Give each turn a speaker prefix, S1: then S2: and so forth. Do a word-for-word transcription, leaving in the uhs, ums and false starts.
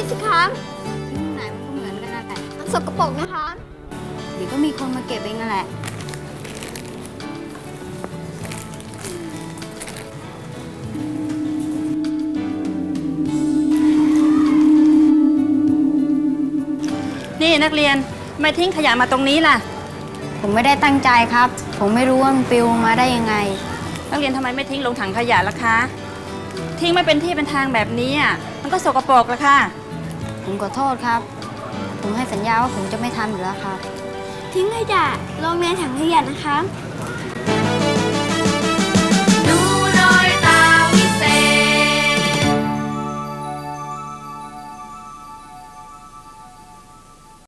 S1: สิครับ
S2: ทิ้งไหนมันก็เหมือนกันนั่นแหละ
S1: มันสกปรกนะคะ
S2: เดี๋ยวก็มีคนมาเก็บเองนั่นแหละ
S3: นี่นักเรียนทำไมทิ้งขยะมาตรงนี้ล่ะ
S2: ผมไม่ได้ตั้งใจครับผมไม่รู้ว่ามันปลิวมาได้ยังไง
S3: นักเรียนทำไมไม่ทิ้งลงถังขยะล่ะคะทิ้งไม่เป็นที่เป็นทางแบบนี้อ่ะมันก็สกปรกละค่ะ
S2: ผมขอโทษครับผมให้สัญญาว่าผมจะไม่ทำอีกแล้วครับ
S1: ทิ้งขยะลงในถังขยะนะคะ